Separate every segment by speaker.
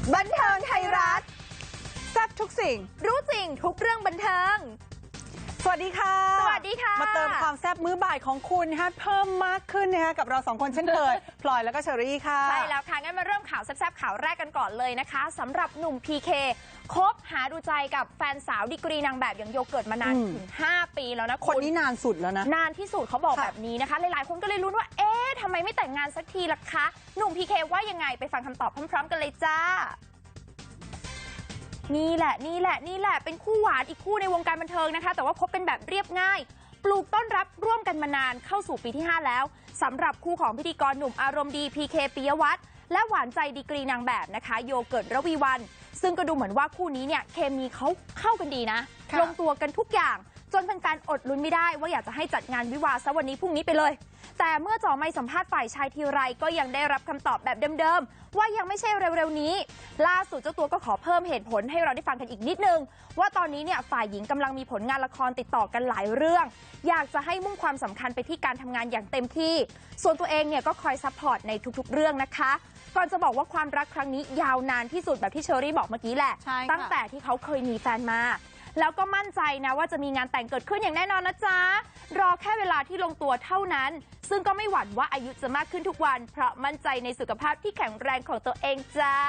Speaker 1: บันเทิงไทยรัฐ
Speaker 2: แซ่บทุกสิ่ง
Speaker 1: รู้จริงทุกเรื่องบันเทิง
Speaker 2: สวัสดีค่ะ
Speaker 1: สวัสดีค่ะ
Speaker 2: มาเติมความแซ่บมื้อบ่ายของคุณนะคะเพิ่มมากขึ้นนะคะกับเราสองคนเช่นเคย พลอยแล้วก็เชอรี่ค่ะ
Speaker 1: ใช่แล้วค่ะงั้นมาเริ่มข่าวแซ่บๆข่าวแรกกันก่อนเลยนะคะสำหรับหนุ่มพีเคคบหาดูใจกับแฟนสาวดีกรีนางแบบอย่างโยเกิร์ตมานานถึง5 ปีแล้วนะ
Speaker 2: คนนี้นานสุดแล้วนะ
Speaker 1: นานที่สุดเขาบอกแบบนี้นะคะหลายๆคนก็เลยลุ้นว่าเอ๊ะทำไมไม่แต่งงานสักทีล่ะคะหนุ่มพีเคว่ายังไงไปฟังคำตอบพร้อมๆกันเลยจ้านี่แหละเป็นคู่หวานอีกคู่ในวงการบันเทิงนะคะแต่ว่าพบกันแบบเรียบง่ายปลูกต้นรับร่วมกันมานานเข้าสู่ปีที่ 5 แล้วสำหรับคู่ของพิธีกรหนุ่มอารมณ์ดีพีเคปิยวัฒน์และหวานใจดีกรีนางแบบนะคะโยเกิร์ตระวีวรรณซึ่งก็ดูเหมือนว่าคู่นี้เนี่ยเคมีเขาเข้ากันดีนะลงตัวกันทุกอย่างจนแฟนๆอดลุ้นไม่ได้ว่าอยากจะให้จัดงานวิวาห์ซะวันนี้พรุ่งนี้ไปเลยแต่เมื่อจ่อไมค์สัมภาษณ์ฝ่ายชายทีไรก็ยังได้รับคำตอบแบบเดิมๆว่ายังไม่ใช่เร็วๆนี้ล่าสุดเจ้าตัวก็ขอเพิ่มเหตุผลให้เราได้ฟังกันอีกนิดนึงว่าตอนนี้เนี่ยฝ่ายหญิงกำลังมีผลงานละครติดต่อกันหลายเรื่องอยากจะให้มุ่งความสำคัญไปที่การทำงานอย่างเต็มที่ส่วนตัวเองเนี่ยก็คอยซัพพอร์ตในทุกๆเรื่องนะคะก่อนจะบอกว่าความรักครั้งนี้ยาวนานที่สุดแบบที่เชอรี่บอกเมื่อกี้แหละตั้งแต่ที่เขาเคยมีแฟนมาแล้วก็มั่นใจนะว่าจะมีงานแต่งเกิดขึ้นอย่างแน่นอนนะจ๊ะรอแค่เวลาที่ลงตัวเท่านั้นซึ่งก็ไม่หวั่นว่าอายุจะมากขึ้นทุกวันเพราะมั่นใจในสุขภาพที่แข็งแรงของตัวเองจ้า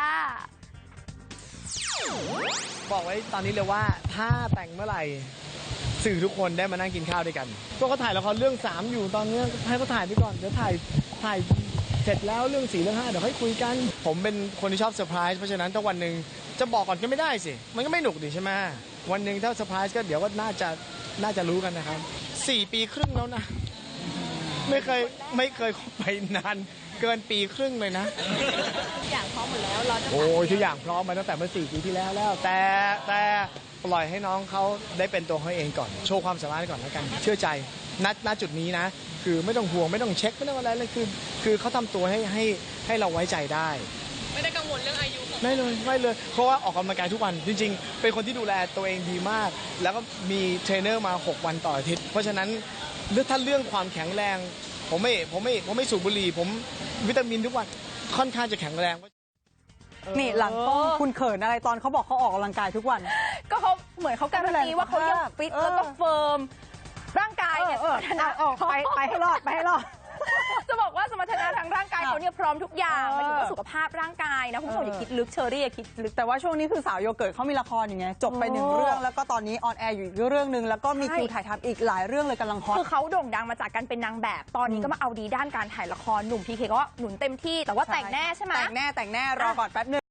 Speaker 3: บอกไว้ตอนนี้เลยว่าถ้าแต่งเมื่อไหร่สื่อทุกคนได้มานั่งกินข้าวด้วยกันก็เขาถ่ายละครเรื่อง3อยู่ตอนนี้ให้เขาถ่ายไปก่อนเดี๋ยวถ่ายเสร็จแล้วเรื่อง4เรื่อง5เดี๋ยวค่อยคุยกันผมเป็นคนที่ชอบเซอร์ไพรส์เพราะฉะนั้นถ้าวันหนึ่งจะบอกก่อนก็ไม่ได้สิมันก็ไม่หนุกดิใช่ไหมวันหนึ่งถ้าเซอร์ไพรส์ก็เดี๋ยวก็น่าจะรู้กันนะครับ4 ปีครึ่งแล้วนะไม่เคยไปนานเกินปีครึ่งเลยนะ
Speaker 1: ทุกอย่างพร้อมหมดแล้วเราจะ
Speaker 3: โอ้ยทุกอย่างพร้อมมาตั้งแต่เมื่อ4 ปีที่แล้วแต่ปล่อยให้น้องเขาได้เป็นตัวเขาเองก่อนโชว์ความสามารถก่อนแล้วกันเชื่อใจณจุดนี้นะคือไม่ต้องห่วงไม่ต้องเช็คไม่ต้องอะไรเลยคือเขาทำตัวให้เราไว้ใจได้
Speaker 4: ไม่ได้กังวลเรื่องอายุ
Speaker 3: ไม่เลยเพราะว่าออกกำลังกายทุกวันจริงๆเป็นคนที่ดูแลตัวเองดีมากแล้วก็มีเทรนเนอร์มา6 วันต่ออาทิตย์เพราะฉะนั้นถ้าเรื่องความแข็งแรงผมไม่สูบบุหรี่ผมวิตามินทุกวันค่อนข้างจะแข็งแรง
Speaker 2: นี่หลังกล้องคุณเขินอะไรตอนเขาบอกเขาออกกำลังกายทุกวัน
Speaker 1: ก็เขาเหมือนเขาการันตีว่าเขายังฟิตแล้วก็เฟิร์มร่างกายเนี่ยสมรรถนะ
Speaker 2: ไปให้รอด
Speaker 1: จะบอกว่าสมรรถนะทางร่างกายเขาเนี่ยพร้อมทุกอย่างมันถึงว่าสุขภาพร่างกายนะคุณผู้ชมอย่าคิดลึกเชอรี่อย่าคิดลึก
Speaker 2: แต่ว่าช่วงนี้คือสาวโยเกิร์ตเขามีละครอย่างเงี้ยจบไป1 เรื่องแล้วก็ตอนนี้ออนแอร์อยู่อีกเรื่องนึงแล้วก็มีคิวถ่ายทำอีกหลายเรื่องเลยกำลังฮอต
Speaker 1: คือเขาโด่งดังมาจากการเป็นนางแบบตอนนี้ก็มาเอาดีด้านการถ่ายละครหนุ่มพีเคก็ว่าหนุนเต็มที่แต่ว่าแต่งแน่ใช่ไหม
Speaker 2: แต่งแน่รอก่อนแป๊บนึง